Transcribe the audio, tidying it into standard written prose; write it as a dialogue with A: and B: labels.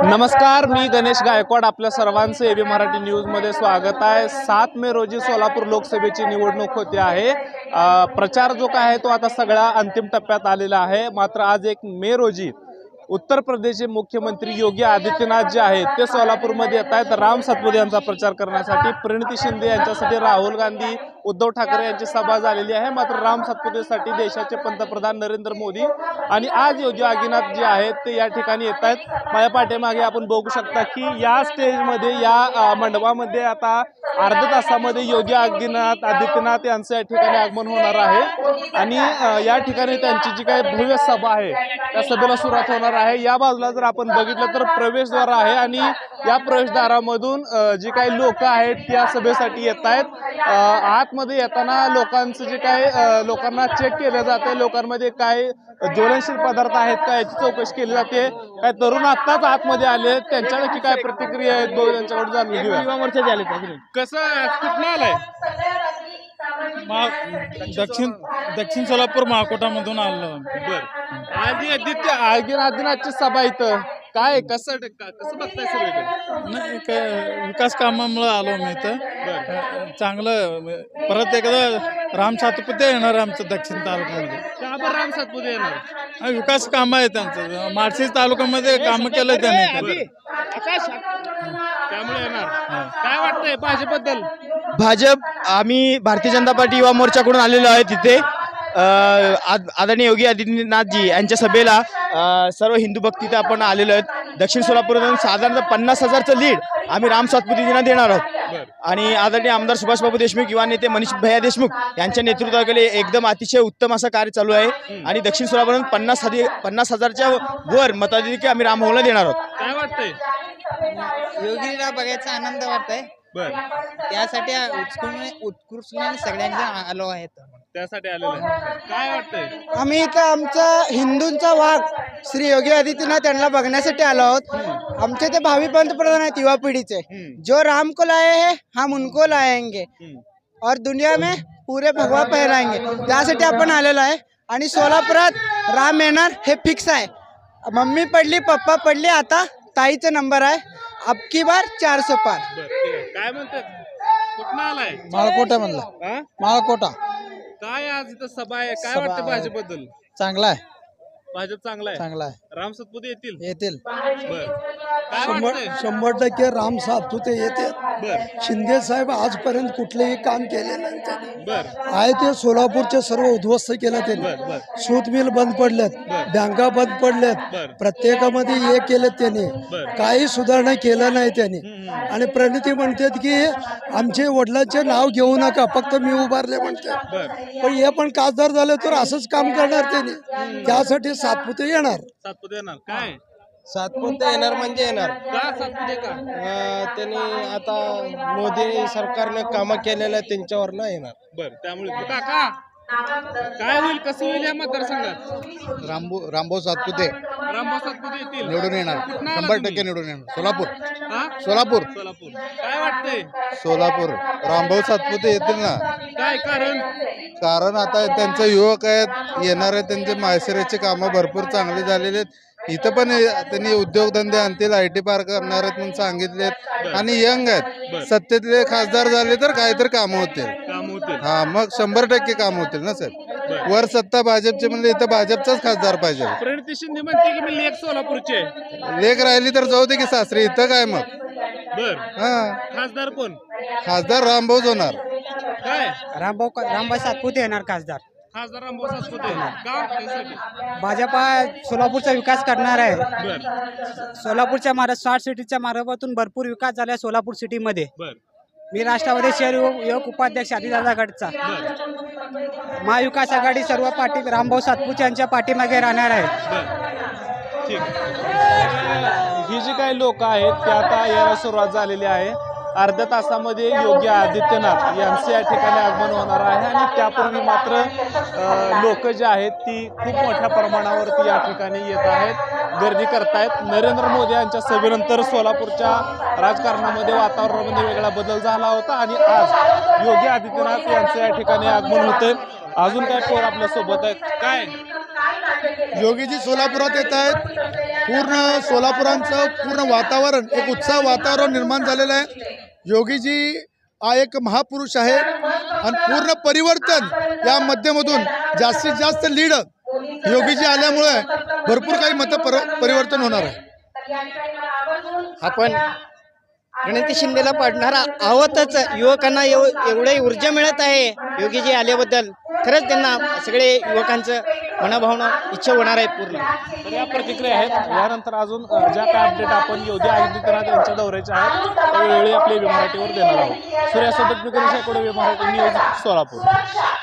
A: नमस्कार, मी गणेश गायकवाड. आपल्या सर्वांचं एबी मराठी न्यूजमध्ये स्वागत आहे. 7 मे रोजी सोलापूर लोकसभेची निवडणूक होते आहे. प्रचार जो काय आहे तो आता सगळा अंतिम टप्प्यात आलेला आहे. मात्र आज 1 मे रोजी उत्तर प्रदेशचे मुख्यमंत्री योगी आदित्यनाथ जे आहेत ते सोलापूरमध्ये येत आहेत. राम सातपुते यांचा प्रचार करण्यासाठी. प्रणिती शिंदे यांच्यासाठी राहुल गांधी, उद्धव ठाकरे यांची सभा झालेली आहे. मात्र राम सातपुतेसाठी देशाचे पंतप्रधान नरेंद्र मोदी आणि आज योगी आदित्यनाथ जे आहेत ते या ठिकाणी येत आहेत. माझ्या पाठीमागे आपण बघू शकता की या स्टेजमध्ये, या मंडपामध्ये आता अर्ध्या तासामध्ये योगी आदित्यनाथ यांचं या ठिकाणी आगमन होणार आहे आणि या ठिकाणी त्यांची जी काही भव्य सभा आहे त्या सभेला सुरुवात होणार आहे. या बाजूला जर आपण बघितलं तर प्रवेशद्वार आहे आणि या प्रवेशद्वारामधून जी काही लोक आहेत त्या सभेसाठी येत आहेत. आतमध्ये येताना लोकांचं जे काय लोकांना चेक केलं जाते, लोकांमध्ये काय ज्वलनशील पदार्थ आहेत का याची चौकशी केली जाते. काय तरुण आत्ताच आतमध्ये आले, त्यांच्या नक्की काय प्रतिक्रिया आहेत त्यांच्याकडून जाणून घेऊया. युवा मोर्चाचे आले कसं कुठं आलाय?
B: दक्षिण सोलापूर महाकोटामधून आलो.
A: बर, आदित्यनाथची सभा इथं काय कसं बघताय सगळीकडे?
B: नाही, विकास कामामुळे आलो मी इथं. चांगलं परत एकदा राम सातपुते येणार आमचं दक्षिण तालुक्यामध्ये.
A: का बरं राम सातपुते येणार?
B: विकास काम आहे त्यांचं. माळशिरस तालुक्यामध्ये काम केलं त्यांनी.
A: त्यामुळे येणार. काय वाटतंय भाजपबद्दल?
C: भाजप, आम्ही भारतीय जनता पार्टी युवा मोर्चाकडून आलेलो आहे. तिथे आदरणीय योगी आदित्यनाथजी यांच्या सभेला सर्व हिंदू भक्त तिथे आपण आलेलो आहेत. दक्षिण सोलापूरमधून साधारणतः 50,000चं लीड आम्ही राम सातपुतेजींना देणार आहोत. आणि आदरणीय आमदार सुभाषबाबू देशमुख, युवा नेते मनीष भैया देशमुख यांच्या नेतृत्वाखाली एकदम अतिशय उत्तम असं कार्य चालू आहे. आणि दक्षिण सोलापूरमधून 50,000च्या वर मताधिक्य आम्ही रामभाऊला देणार आहोत.
A: काय वाटतंय?
D: योगीला बघायचा आनंद वाटतंय.
A: बर,
D: त्यासाठी उत्कृष्ट सगळ्यांना आलो आहेत.
A: त्यासाठी आलेलं आहे. काय वाटतंय?
E: आम्ही इथं आमचा हिंदूंचा वाघ श्री योगी आदित्यनाथ यांना बघण्यासाठी आलो आहोत. आमचे ते भावी पंतप्रधान आहेत युवा पिढीचे. जो राम को लाए हैं हम उनको लाएंगे और दुनिया में पूरे भगवा फहराएंगे. त्यासाठी आपण आलेलो आहे. आणि सोलापुरात राम येणार हे फिक्स आहे. मम्मी पडली, पप्पा पडली, आता ताईचा नंबर आहे. अबकी बार 400 पार.
A: काय म्हणतात? कुठं आलाय?
E: माळकोटा म्हणला. माळकोटा.
A: काय आज इथं सभा आहे, काय वाटतं भाजपबद्दल?
E: चांगला आहे.
A: भाजप चांगला आहे.
E: चांगला आहे.
A: राम सातपुते येतील.
E: बर.
A: काय वाटतंय?
F: 100% राम सातपुते येते.
A: बर
F: शिंदे साहेब आजपर्यंत कुठलेही काम केले नाही त्यांनी.
A: बर
F: आहे ते सोलापूरचे सर्व उद्ध्वस्त केलं त्यांनी.
A: बर बर
F: सूत मिल बंद पडलेत, बँका बंद पडलेत,
A: बर.
F: प्रत्येकामध्ये हे केलेत त्यांनी.
A: बर.
F: काही सुधारणा केलं नाही त्यांनी. आणि प्रणिती म्हणतात की आमचे वडिलांचे नाव घेऊ नका, फक्त मी उभारले म्हणतात.
A: बर
F: पण हे पण खासदार झाले तर असंच काम करणार त्यांनी. त्यासाठी सातपुते येणार.
A: सातपुते येणार. काय
D: सातपुते येणार म्हणजे येणार.
A: का सातपुते का?
D: त्यांनी आता मोदी सरकारने कामं केलेलं त्यांच्यावर ना येणार.
A: बर, त्यामुळे काका काय होईल, कसं होईल या मतदारसंघात?
C: रामभाऊ सातपुते
A: रामभाऊ सातपुते येतील.
C: निवडून येणार.
A: कुठनं आला
C: 100%
A: तुम्ही?
C: निवडून येणार. सोलापूर.
A: हा?
C: सोलापूर.
A: सोलापूर. काय वाटतंय?
C: सोलापूर रामभाऊ सातपुते येतील ना.
A: काय कारण?
C: कारण आता त्यांचे युवक आहेत, येणार आहेत. त्यांचे माळशिरसचे कामं भरपूर चांगले झालेले आहेत. इथं पण त्यांनी उद्योगधंदे आणतील, IT पार्क करणार आहेत म्हणून सांगितलेत. आणि यंग आहेत. सत्तेतले खासदार झाले तर काहीतरी कामं होतील.
A: काम होतील.
C: हा, मग 100% काम होतील ना साहेब. वर सत्ता भाजपची म्हणजे इथं भाजपचाच खासदार पाहिजे.
A: प्रणिती शिंदे म्हणते की मी लेख सोलापूरचे.
C: लेख राहिली तर जाऊ दे की सासरी, इथं काय मग.
A: बर,
C: हा,
A: खासदार कोण?
C: खासदार रामभाऊच होणार.
A: काय
E: रामभाऊ सातपुते येणार खासदार.
A: खासदार रामभाऊ सातपुते का? त्यासाठी
E: भाजपा सोलापूरचा विकास करणार आहे.
A: बर
E: सोलापूरच्या स्मार्ट सिटीच्या मार्फातून भरपूर विकास झाला सोलापूर सिटीमध्ये.
A: बर
E: मी राष्ट्रवादी शहर युवक उपाध्यक्ष आदिदादा गटचा.
A: बर
E: महाविकास आघाडी सर्व पाठी रामभाऊ सातपुते यांच्या पाठीमागे राहणार आहे.
A: बर, ठीक. ही जी काही लोक आहेत ते आता यायला सुरुवात झालेली आहे. अर्ध्या तासामध्ये योगी आदित्यनाथ यांचे या ठिकाणी आगमन होणार आहे. आणि त्यापूर्वी मात्र लोक जे आहेत ती खूप मोठ्या प्रमाणावरती या ठिकाणी येत आहेत, गर्दी करतायत. नरेंद्र मोदी यांच्या सभेनंतर सोलापूरच्या राजकारणामध्ये, वातावरणामध्ये वेगळा बदल झाला होता आणि आज योगी आदित्यनाथ यांचं या ठिकाणी आगमन होतंय. अजून काय पोर आपल्या सोबत आहेत. काय
C: योगीजी सोलापुरात येत आहेत.
G: पूर्ण सोलापुरांचं पूर्ण वातावरण एक उत्साह वातावरण निर्माण झालेलं आहे. योगीजी हा एक महापुरुष आहे आणि पूर्ण परिवर्तन या माध्यमातून जास्तीत जास्त लीड योगीजी आल्यामुळे भरपूर काही परिवर्तन होणार आहे.
E: आपण गणेश शिंदेला पाडणार आहोतच. युवकांना एवढी ऊर्जा मिळत आहे योगीजी आल्याबद्दल. खरंच त्यांना सगळे युवकांचं मनाभावना इच्छा होणार आहे पूर्ण.
A: तर या प्रतिक्रिया आहेत. यानंतर अजून ज्या काय अपडेट आपण योगी आदित्यनाथ यांच्या दौऱ्याचे आहेत त्यावेळी आपल्या मराठीवर देणार आहोत. सूर्यासोबत मी गणेश आकडे, मराठी न्यूज, सोलापूर.